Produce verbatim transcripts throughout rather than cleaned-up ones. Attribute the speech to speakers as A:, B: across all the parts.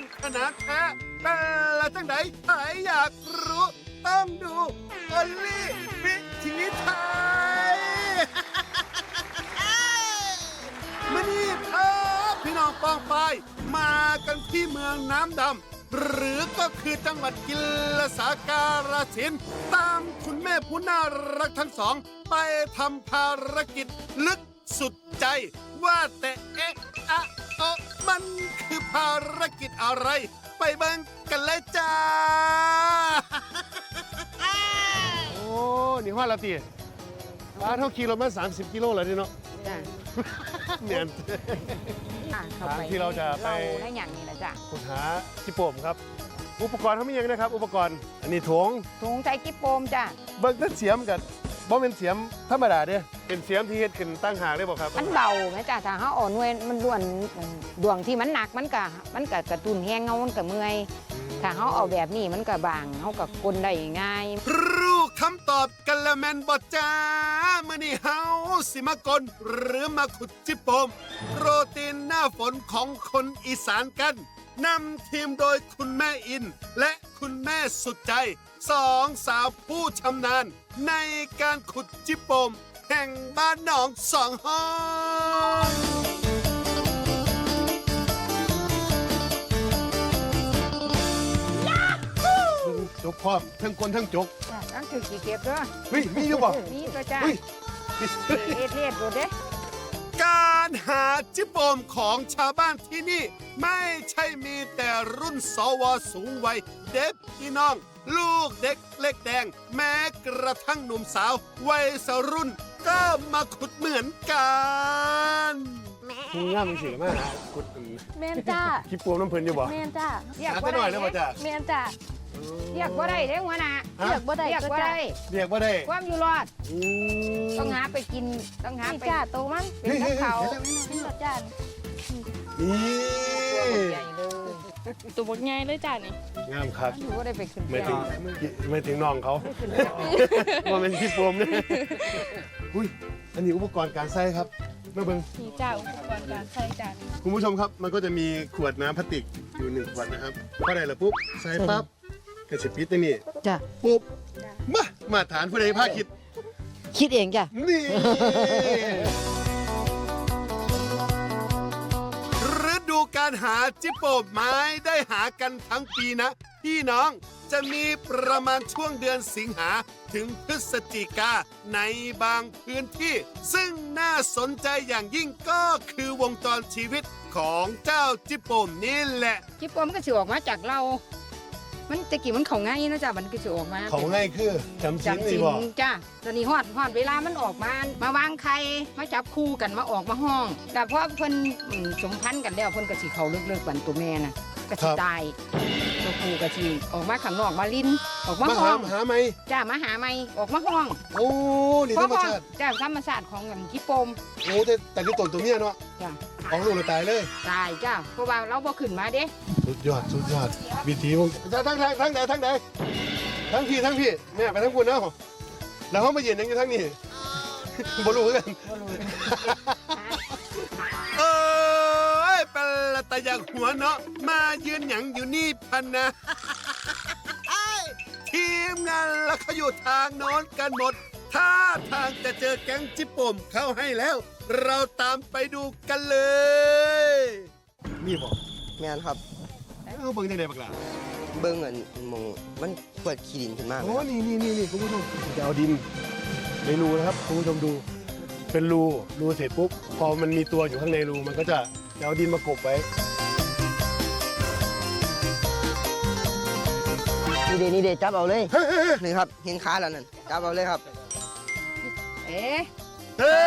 A: ขนาดแท้แต่ละจังไหนใครอยากรู้ ต้องดูออลลี่วิถีไทย มานี่ครับพี่น้องปองไปมากันที่เมืองน้ำดำหรือก็คือจังหวัดกิลสาการสินธุ์ตามคุณแม่ผู้น่ารักทั้งสอง ไปทำภารกิจลึกสุดใจ ว่าแต่เอ๊ะอะเอะมันคือภารกิจอะไร ไปเบิ่งกันเลยจ้า โอ้นี่ว่าละตีบ้านเท่ากิโลเมตรสามสิบกิโลเลยนี่เนาะ
B: จ้ะ
A: เนี่ย
B: อ่ะเข้าไป
A: ที่เราจะไป
B: เราได้อย่างนี้แหละจ้ะ
A: ขุดหาจิโปมครับ อุปกรณ์เขามีอย่างนะครับ อุปกรณ์อันนี้ถง
B: ถุงใจกิ๊บโปมจ้ะ
A: เบิ่งแต่เสียมกันบ่เป็นเสียมธรรมดาเด้เป็นเสียมที่เฮ็ดขึ้นตั้งหากได้บ่ครับ
B: มันเบาไหมจ้ะถ้าเขาอ่อนเวยมันด่วนดวงที่มันหนักมันก็มันก็กระตุ้นแห้งเงามันก็เมื่อยถ้าเขาเอาแบบนี้มันก็บางเขาก็กลได้ง่าย
A: รู้คำตอบกันแล้วแม่นบ่จ้ามื้อนี้เฮาสิมากลหรือมาขุดจิโปมโปรตีนหน้าฝนของคนอีสานกันนำทีมโดยคุณแม่อิน และคุณแม่สุดใจสองสาวผู้ชำนาญในการขุดจิโปมแห่งบ้านหนองสองห้องจกพร้อมทั้งคนทั้งจก
B: จ้ะตั้งถือกี่เก็บด้วย
A: เฮ้ยมีอยู่บ่
B: นี่ตัวจ้ะ
A: เฮ้ย
B: เอเทศดูเด้
A: การหาจิโปมของชาวบ้านที่นี่ ไม่ใช่มีแต่รุ่นสวสูงวัยเด็กพี่น้อง ลูกเด็กเล็กแดง แม้กระทั่งหนุ่มสาว วัยสรุ่น ก็มาขุดเหมือนกันคุณง่ามสิมาขุด
C: แมนจ้า
A: จิโปมน้ำเพลินอยู่บ่
C: แมนจ้า
B: เรียก
A: หา
B: ว่า
A: ไปหน่อย
B: ได้
A: แล้วบ่จ้ะ
C: แมนจ้า
B: เรียกว่าได้เด้หัวหน้า
A: ฮะ
C: เรียกบ่ได้
B: เรียก
C: ก็
B: ว่า
C: จ้า
B: ได้
A: เรียกว่าได้
B: ความอยู่รอด
A: อืม
B: ต้องหาไปกินต้องหา
C: นี่
B: ไป
C: จ้าโตมัน
B: เป็นกับเขา
C: นี่รสจ้า
A: นี่
B: ใหญ่เลย
C: ตัวบดใหญ่เลยจ้านี่
A: งามครับ
B: ถือว่าได้ไปขึ้น
A: ไม่
B: เที่ย
A: ถึง
B: ว
A: ไม่ถึงน้องเขา
B: ขึ้นเที่ยว
A: ว่าเป็นจิโปมเนี่ยอุ้ยอันนี้อุปกรณ์การใส่ครับมาเบิ่ง
C: นี่จ้าอุปกรณ์การใช้จ้านี่
A: คุณผู้ชมครับ มันก็จะมีขวดน้ำพลาสติกอยู่หนึ่งขวดนะครับพอได้แล้วปุ๊บ ใส่ปั๊บกระสิบปิดตัวนี้
B: จ้ะ
A: ปุ๊บ มา มาฐานผู้ใดภาคคิด
B: คิดเองจ้ะ
A: นี่ ฤดูการหาจิโปมไม้ได้หากันทั้งปีนะ พี่น้องจะมีประมาณช่วงเดือนสิงหาถึงพฤศจิกาในบางพื้นที่ ซึ่งน่าสนใจอย่างยิ่งก็คือวงจรชีวิตของเจ้าจิโปมนี่แหละ
B: จิ๊บปมก็สิออกมาจากเรา มันตะกี้มันเขาง่ายนะจ้ะมันก็สิออกมา
A: เขาง่ายคือจำชิ้น
B: จำ
A: นี่
B: สิน
A: บอก
B: จ้ะตอนนี้ฮอดฮอดเวลามันออกมา มาวางไข่มาจับคู่กันมาออกมาห้อง แต่พอเพิ่นอืมสมพันธ์กันแล้วเพิ่นก็สิเขาเลิกๆกันตัวแม่น่ะก็สิตายตัวผู้ก็สิออกมาข้างนอกมาลิ้นออกมา
A: มา
B: ห้
A: หา
B: อง
A: หาไหม
B: จ้ามาหาไม่ออกมาห้อง
A: โอ้นี่ธรรมชาติ
B: จ้าธรรมชาติของอย่างจิ๊บปม
A: โอ้แต่แต่ที่ตนตัวเนี้ยเนาะ
B: จ้า
A: ของลูกเราตายเลย
B: ตายจ้าเพราะว่าเราบ่ขึ้นมาเด้
A: สุดยอดสุดยอดวิธีของจะทั้งทางทั้งไหนทั้งไหนทั้งพี่ทั้งพี่เนี่ยไปทั้งคุณนะแล้วเขามาเย็นยังอยู่ทั้งนี้บรู้กันเอ้ยเป็นละตะอยากหัวเนาะมายืนหยังอยู่นี่พันนะทีมงานละเขาอยู่ทางโน้นกันหมดถ้าทางจะเจอแก๊งจิโปมเข้าให้แล้ว เราตามไปดูกันเลยนี่บอก
D: แม่นครับ
A: เอาเบิ่งได้ไหนบักล่ะ
D: เบิ่งเงินมองมันเปิดขี้ดินขึ้นมา
A: โอ้นี่นี่นี่นี่คุณผู้ชมจะเอาดินในรูนะครับคุณผู้ชมดู เป็นรูรูเสร็จปุ๊บพอมันมีตัวอยู่ข้างในรูมันก็จะจะเอาดินมากบไว้
D: นี่เดนี่เดจับเอาเลยนี่ครับเห็นขาแล้วนั่นจับเอาเลยครับ
B: เอ๊ะ
A: เฮ้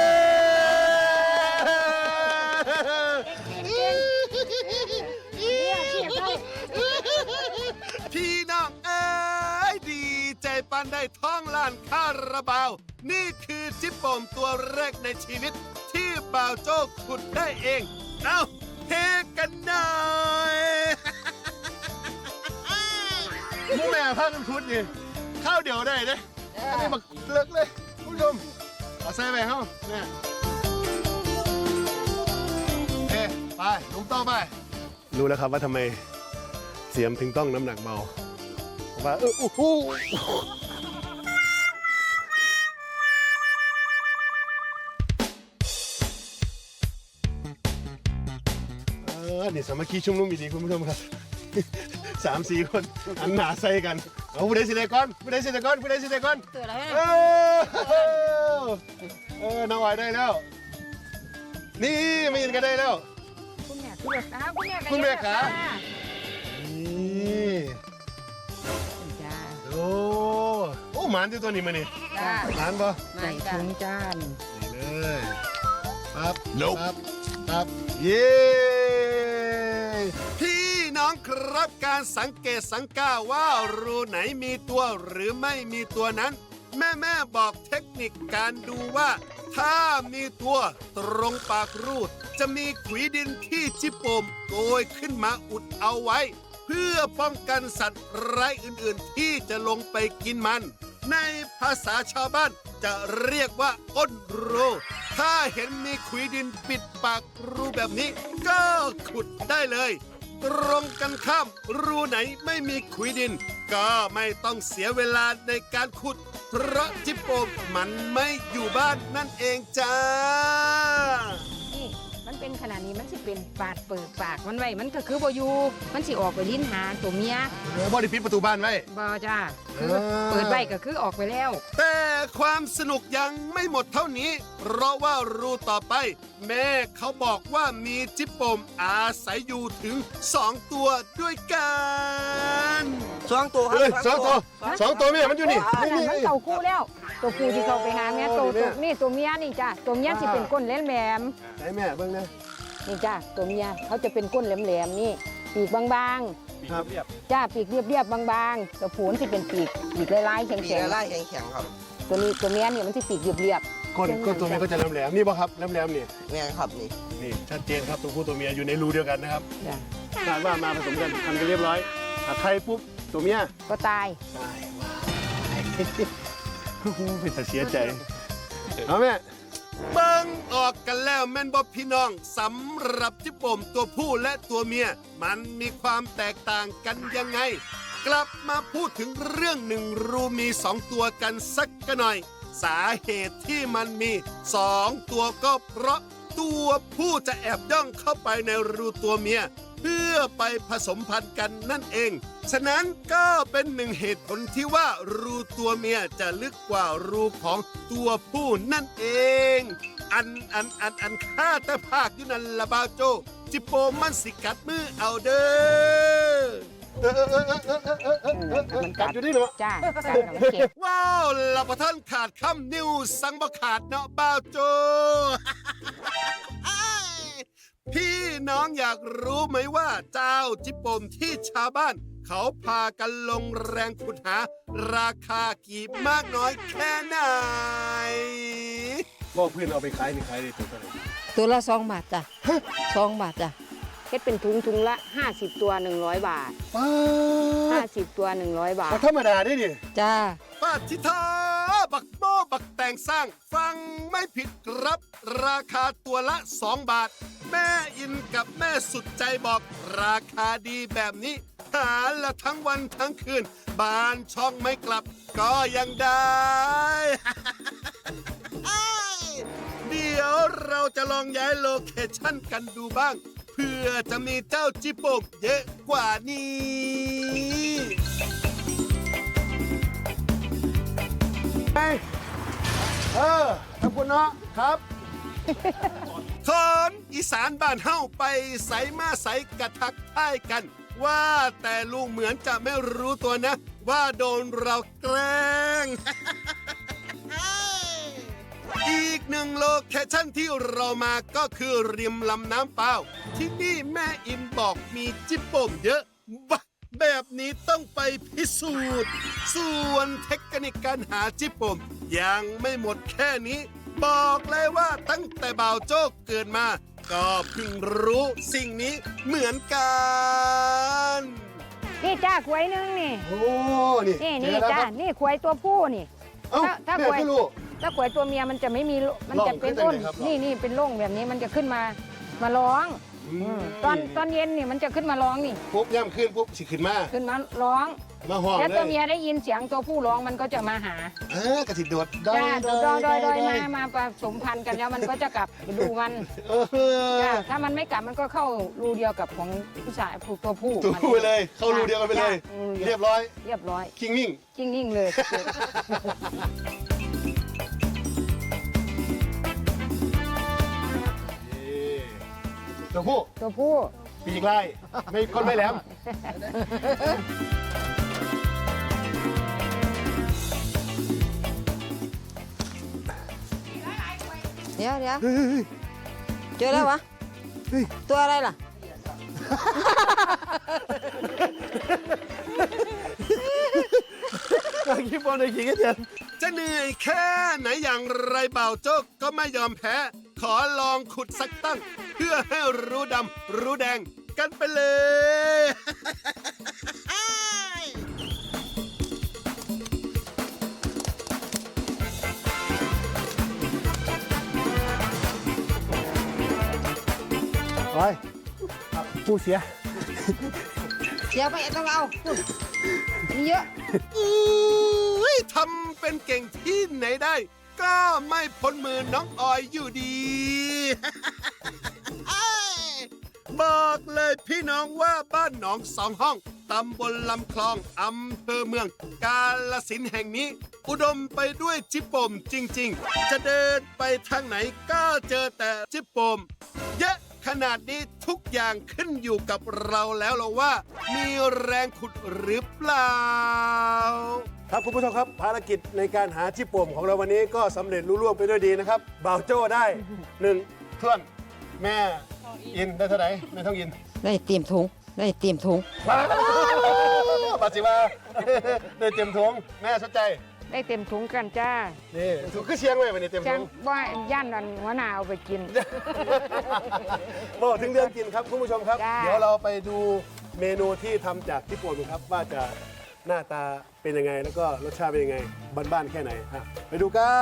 A: พี่น้องเอ้ยดีใจปันได้ท่องล้านค่าราบาว นี่คือจิปโปมตัวแรกในชีวิต ที่บ่าวโจ้ขุดได้เอง เอ้าเฮกันหน่อยมูแม่พากันขุดนี่ข้าวเดียวได้เด้อันนี้บักเลิกเลยคุณผู้ชมเอาใส่ไปเข้าเนี่ยโอเคไปลุงต่อไป รู้แล้วครับว่าทำไมเสียมถึงต้องน้ำหนักเบาว่าเอออู้หูเออนี่สามัคคีชุมนุมอีดีคุณผู้ชมครับ สามสี่คนอันหนาใส่กันเอาผู้ใดสิได้ก่อนผู้ใดสิได้ก่อนผู้ใดสิได้ก่อน
B: เตือนอะไร
A: เออเออน้องออยได้แล้ว นี่ไม่ยินกันได้แล้ว
B: คุณแม่คุณแม่ขาคุณแม่
A: คุณแม่ขา
B: นี่
A: นี่
B: จ้า
A: โอ้โอ้หมานที่ตัวนี้มานี่
B: จ้า
A: หมานปะ
B: ใส่ถุงจาน
A: นี่เลยปั๊บปั๊บปั๊บเย้พี่น้องครับการสังเกตสังกาว่ารูไหนมีตัวหรือไม่มีตัวนั้น แม่แม่บอกเทคนิคการดูว่า ถ้ามีตัวตรงปากรูดจะมีขุยดินที่จิโปมโกยขึ้นมาอุดเอาไว้ เพื่อป้องกันสัตว์ร้ายอื่นๆที่จะลงไปกินมัน ในภาษาชาวบ้านจะเรียกว่าอ้นรูถ้าเห็นมีขุยดินปิดปากรูแบบนี้ ก็ขุดได้เลย ตรงกันข้ามรูไหนไม่มีขุยดิน ก็ไม่ต้องเสียเวลาในการขุด เพราะจิโปมมันไม่อยู่บ้านนั่นเองจ้า
B: นี่มันเป็นขนาดนี้มันสิเป็นปาดเปิดปากมันไว้มันก็คือบ่อยู่มันสิออกไปลิ้นหาตัวเมีย
A: เดี๋ยวบอดี้ปิดประตูบ้านไว้
B: บ่จ้าคือ
A: เออ
B: เปิดไว้ก็คือออกไปแล้ว
A: แต่ความสนุกยังไม่หมดเท่านี้ เพราะว่ารูต่อไป แม่เขาบอกว่ามีจิโปมอาศัยอยู่ถึงสองตัวด้วยกัน
D: สองตัวครั
A: เฮ้ยสองตัว
B: ฮะ
A: สองตัวแม่มันอยู่นี่
B: โอ้
A: นี่
B: นั่น
A: นี่
B: มันเต่าคู่แล้ว ตัวคู่ที่เขาไปหาแม่ตัว
A: เนี่
B: ตัวย นี่ตัวเมียนี่จ้าตัวเมียสิเป็นก้นแหลม
A: ไหนแม่เบิ่งนะ
B: ๆนี่จ้าตัวเมียเขาจะเป็นก้นแหลมๆนี่ปีกบาง
A: ครับ
B: ๆจ้าปีกเรียบๆบางๆตัวผูนสิเป็นปีกปีกลายๆแ
D: ปี
B: ข็ง
D: กไล่แข็งๆครับ
B: ๆตัวนี้ตัวเมียนี่มันสิปีกเรียบ
A: ก้นก้นตัวแม่ก็จะแหลมๆนี่ป่ะครับแหลมๆนี่
D: แม่นครับนี่
A: นี่ชัดเจนครับตัวผู้ตัวเมียอยู่ในรูเดียวกันนะครับ
B: ๆจ้า
A: คาดว่ามาผสมกันทำกันเรียบร้อยถ้าใครปุ๊บตัวเมีย
B: ก็ตาย
A: ตายว้ายโอ้โหเป็นแต่เสียใจเอาแม่เบิ่งออกกันแล้วแม่นบ่พี่น้องสำหรับจิโปมตัวผู้และตัวเมีย มันมีความแตกต่างกันยังไง กลับมาพูดถึงเรื่องหนึ่งรูมีสองตัวกันสักกันหน่อย สาเหตุที่มันมีสองตัวก็เพราะตัวผู้จะแอบย่องเข้าไปในรูตัวเมีย เพื่อไปผสมพันธุ์กันนั่นเอง ฉะนั้นก็เป็นหนึ่งเหตุผลที่ว่ารูตัวเมียจะลึกกว่ารูของตัวผู้นั่นเอง อันอันอันอันข้าแต่ภาคอยู่นั่นละบาวโจ จิโปมันสิกัดมือเอาเด้อเออเออเออเออเออเออเออเออกัดอยู่นี่เหรอ
B: จ้าจ้ามันเก็บ
A: ว้าวละประท่านขาดคำนิ้วสังบ่ขาดเนาะบ้าวโจ พี่น้องอยากรู้ไหมว่าเจ้าจิโปมที่ชาวบ้าน เขาพากันลงแรงขุดหา ราคากี่มากน้อยแค่ไหนบอกเพื่อนเอาไปขายนี่ขายได้ตัวเท่าไหร่
B: ตัวละสองบาทจ้ะสองบาทจ้ะเฮ็ดเป็นถุงถุงละห้าสิบตัวหนึ่งร้อยบาท
A: ป้า
B: ห้าสิบตัวหนึ่งร้อยบาท
A: ธรรมดาได้ดิ
B: จ้า
A: ป้าทิทาบักโมบักแต่งสร้าง ฟังไม่ผิดครับ ราคาตัวละสองบาท แม่อินกับแม่สุดใจบอก ราคาดีแบบนี้ หาละทั้งวันทั้งคืน บ้านช่องไม่กลับ ก็ยังได้ เดี๋ยวเราจะลองย้ายโลเคชั่นกันดูบ้าง เพื่อจะมีเจ้าจิโปมเยอะกว่านี้เออขอบคุณเนาะครับ คนอีสานบ้านเฮ้าไปใสมาใสกระทักทายกัน ว่าแต่ลุงเหมือนจะไม่รู้ตัวนะ ว่าโดนเราแกล้ง อีกหนึ่งโลเคชั่นที่เรามาก็คือริมลำน้ำเปล่า ที่นี่แม่อินบอกมีจิโปมเยอะบ้าแบบนี้ต้องไปพิสูจน์ ส่วนเทคนิคการหาจิโปมยังไม่หมดแค่นี้ บอกเลยว่าตั้งแต่บ่าวโจ๊กเกิดมา ก็เพิ่งรู้สิ่งนี้เหมือนกัน
B: นี่จ้าขวยหนึงนี่
A: โอ้นี่
B: นี่นี่จ้านี่ขวยตัวผู้นี่
A: เอ้า
B: ถ้าถ้า
A: แม่
B: ขวย
A: ก็รู้
B: ถ้าขวยตัวเมียมันจะไม่มีมันจะเป็น
A: ร่
B: อ้
A: อง
B: น
A: ขึ้นได้
B: นี่
A: เลยครับ
B: นี่นี่เป็นร่องแบบนี้มันจะขึ้นมามาร้อง
A: อืม
B: ตอนตอนเย็นนี่มันจะขึ้นมาร้องนี่
A: ปุ๊บย่ำขึ้นปุ๊บสิขึ้นมา
B: ขึ้นมาร้อง
A: มาห้อง
B: แล้ว
A: เล
B: ตัวย เมียได้ยินเสียงตัวผู้ร้องมันก็จะมาหา
A: เออกระสิโดด
B: จ้าโดยโดยโดยโดยมามาผสมพันธุ์กันแล้วมันก็จะกลับไปดูมัน
A: เออ
B: จ้าถ้ามันไม่กลับมันก็เข้ารูเดียวกับของผู้ชายผู้ตัวผู้
A: ตัวผู้ไปเลย เข้ารูเดียวกันไปเลย
B: จ้ะรูดีว
A: เรียบร้อย
B: เรียบร้อย
A: คิงนิ่ง
B: จริงนิ่งเลย
A: ตัวผู้
B: ตัวผู้
A: ปีกไล่ไม่คนไม่แหลม
E: เดี๋ยวเดี๋ยวเจอแล้ววะ ตัวอะไรล่ะ
A: คิดบอลในขิงกันเถอะจะเหนื่อยแค่ไหนอย่างไรเบาโจ๊กก็ไม่ยอมแพ้ ขอลองขุดสักตั้ง เพื่อให้รู้ดำรู้แดงกันไปเลย
F: โอ้ยผู้เสีย
E: เดี๋ยวไปต้องเอามีเยอะ
A: อุ้ยทำเป็นเก่งที่ไหนได้ ก็ไม่พ้นมือน้องออยอยู่ดี บอกเลยพี่น้องว่าบ้านหนองสองห้องตำบลลำคลองอำเภอเมือง กาฬสินธุ์แห่งนี้ อุดมไปด้วยจิปโปมจริงๆ จะเดินไปทางไหนก็เจอแต่จิปโปม เยอะขนาดนี้ทุกอย่างขึ้นอยู่กับเราแล้วเราว่า มีแรงขุดหรือเปล่า
F: ครับคุณผู้ชมครับภารกิจในการหาจิปโป่มของเราวันนี้ก็สำเร็จลุล่วงไปด้วยดีนะครับบ่าวโจ้ได้หนึ่ง
A: เพื่อนแม่อินได้เท่าไหร่แม่ท้องอิน
E: ได้เตรียมถุงได้เตรียมถุง
A: ปัจจิมาได้เต็มทงแม่สนใจ
B: ได้เต็มถุงกันจ้า
A: นี่ถูกขึ้นเชียงไว้วันนี้เต็มท
B: จัง
A: ง
B: ว่าย่านนั้นหัวหน้าเอาไปกิน
F: บอกถึงเรื่องกินครับคุณผู้ชมครับ
B: จ้า
F: เดี๋ยวเราไปดูเมนูที่ทำจากจิปโป่มครับว่าจะหน้าตาเป็นยังไงแล้วก็รสชาติเป็นยังไงบ้านๆแค่ไหนฮะไปดูกัน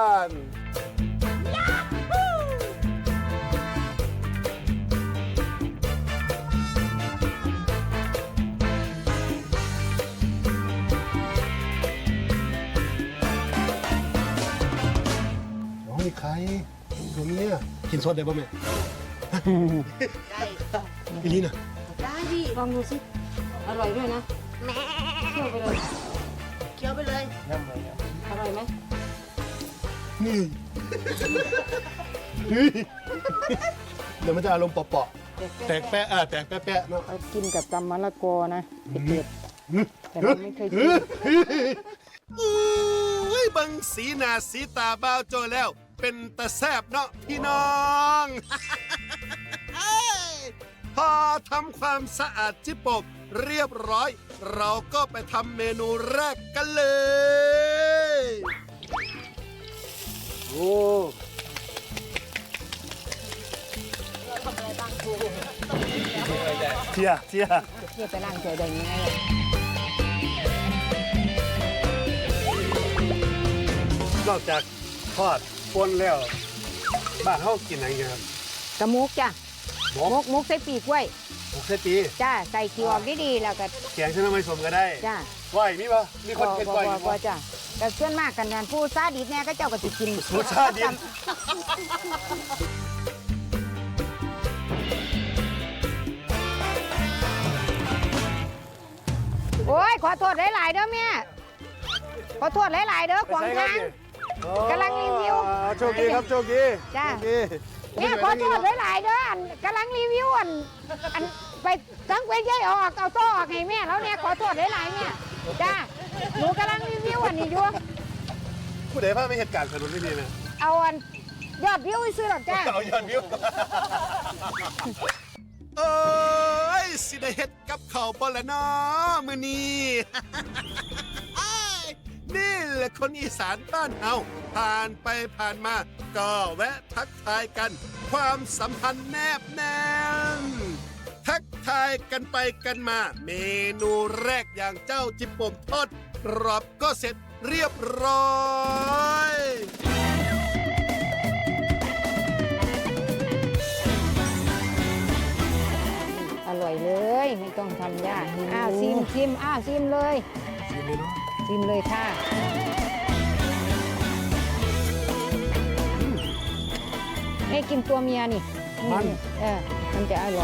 A: น้องมีใครตัวเนี้ยกินสดได้ป่ะแม่อีลีน่ะ
E: ได้ดิลองดูสิอร่อยด้วยนะเคี่ยวไปเลยเคี่ยวไปเลยอร่อยไหม
A: นี่นี่เดี๋ยวมันจะอารมณ์เปาะๆแตกแปะอ่ะแตกแปะๆเนาะ
B: เอากินกับตำมะละกอนะเผ็ดๆแต่เราไม่เคยกิน
A: อุ้ยบังสีหน้าสีตาบ้าวโจแล้ว เป็นตาแซบเนาะพี่น้อง พอทำความสะอาดจิปโปมเรียบร้อย เราก็ไปทำเมนูแรกกันเลย
F: โอ้ เชียร์เชียร์
B: เที่ยวไปนั่งเฉยได้ยังไง
F: นอกจากทอดปนแล้วบ้านเขากินอะไรกันครับ
B: กระมุกจ้ะ
F: หม
B: มุ
F: ก
B: กมุกใส่ปีกไว้
F: หมกเสตี
B: จ้าใส่ขี้ออกดีๆแล้วก็
F: แกงเส้นน้ำไม่สมก็ได้
B: จ้า
F: ก้อยมีปะมีคนเป็นก้อย
B: บ่
F: อยู่
B: บ่
F: ปะ
B: จ้าแต่ส่วนมากกันงานผู้ซาดิสเนี่ยก็เจ้าก็สิกิน
F: ผู้ซาดิส
B: โอ้ยขอโทษหลายๆเด้อแม่ขอโทษหลายๆเด้อขวางทาง กำลังรีวิว
F: อ๋อโชคดีครับโชคดี
B: จ้า
F: โชคดี
B: แม่ขอโทษหลายๆเด้ออันกำลังรีวิวอันอันไปสังเวยย่อยออกเอาโต้ออกให้แม่แล้วเนี่ยขอโทษหลายๆแม่จ้าหนูกำลังรีวิวอันนี้อยู่
F: ผู้ใดพาไปเหตุการณ์สนุนไม่ดีนะ
B: เอาอันยอดวิวซื้อหรอกจ้า
F: เอายอดวิว
A: เอ้ยสิได้เฮ็ดกับเขาวบ่ละเนาะมื้อนี้ อ้ายนี่แหละคนอีสานบ้านเฮาผ่านไปผ่านมา ก็แวะทักทายกัน ความสัมพันธ์แนบแน่น ทักทายกันไปกันมา เมนูแรกอย่างเจ้าจิปโป่มทอดกรอบก็เสร็จเรียบร้อย
F: ค
B: ชิมอ้าวชิมเลย
F: ชิมเลยเนาะ
B: ชิมเลยค่ะให้กินตัวเมียนี่นี่เออมันจะอร่อย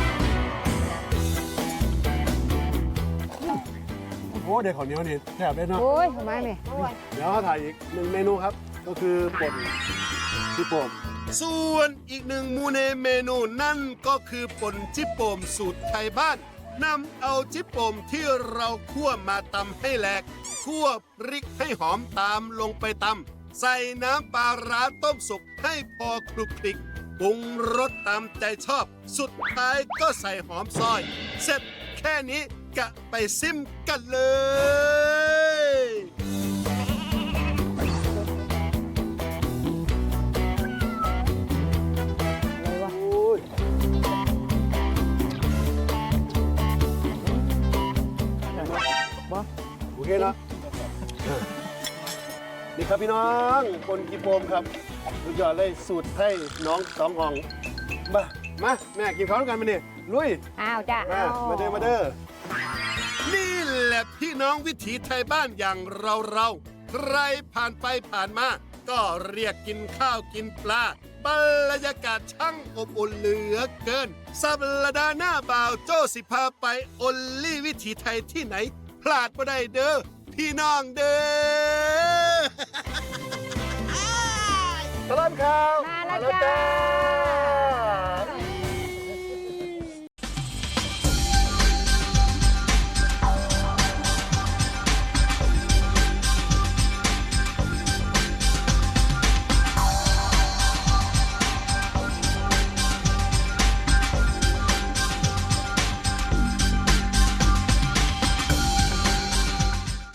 F: โอ้เดี๋ยวข้าวเหนียวนี่แทบได้เนาะ
B: โอ้ยทำไมแม่
F: เดี๋ยวเขาถ่ายอีกหนึ่งเมนูครับ ก็คือป่นที่โป่ม
A: ส่วนอีกหนึ่งมูในเมนูนั่นก็คือป่นจิโปมสูตรไทยบ้านนำเอาจิโปมที่เราคั่วมาตำให้แหลกคั่วพริกให้หอมตามลงไปตำใส่น้ำปลาร้าต้มสุกให้พอคลุกคลิกปรุงรสตามใจชอบ สุดท้ายก็ใส่หอมซอย เสร็จแค่นี้กะไปซิมกันเลย
B: อะไรวะ
F: โอ้ยโอเคเนาะนี่ครับพี่น้องคนกีโปมครับสุดยอดเลยสูตรให้น้องสองอ่องมามาแม่กินข้าวด้วยกันมาเนี่ยลุย
B: อ้าวจ้ะ
F: มามาเด้อมาเด้อ
A: นี่แหละพี่น้องวิถีไทยบ้านอย่างเราเราๆใครผ่านไปผ่านมา ก็เรียกกินข้าวกินปลาบรรยากาศช่างอบอุ่นเหลือเกิน สัปดาห์หน้าบ่าวโจ้สิพาไปอลลี่วิถีไทยที่ไหน พลาดไม่ได้เด้อพี่น้องเด้อ
F: ตลอดข่าว
B: มาแล้วจ้า